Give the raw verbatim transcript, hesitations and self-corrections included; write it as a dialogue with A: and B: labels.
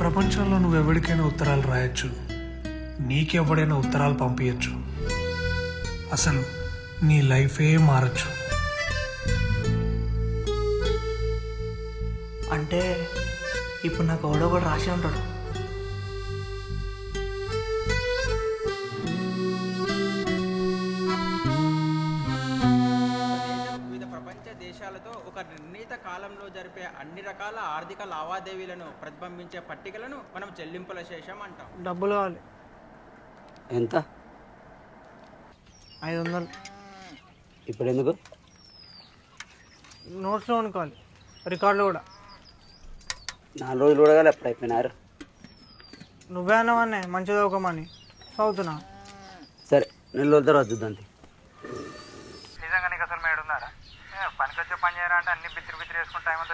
A: ప్రపంచంలో నువ్వు ఎవరికైనా ఉత్తరాలు రాయొచ్చు, నీకెవడైనా ఉత్తరాలు పంపించచ్చు. అసలు నీ లైఫే మారచ్చు.
B: అంటే ఇప్పుడు నాకు ఎవడో కూడా రాసి ఉంటాడు.
C: వివిధ ప్రపంచ దేశాలతో ఒక నిర్ణీత కాలంలో జరిపే అన్ని రకాల ఆర్థిక లావాదేవీలను ప్రతిబింబించే పట్టికలను మనం చెల్లింపుల శేషం అంటాం.
B: డబ్బులు కావాలి.
D: ఎంత?
B: ఐదు వందలు.
D: ఇప్పుడు ఎందుకు?
B: నోట్స్లో అనుకోవాలి, రికార్డులు కూడా.
D: నాలుగు రోజులు కూడా కానీ ఎప్పుడు అయిపోయినారు.
B: నువ్వే అన్నవన్నే మంచిగా చదువుకోమని చదువుతున్నా.
D: సరే నెల రోజుల తర్వాత చూద్దాం.
E: నిజంగా నీకు అసలు మేడున్నారా? పనికి వచ్చే పని చేయరా అంటే అన్ని బిత్తిరి బిత్తిరి వేసుకుంటే టైం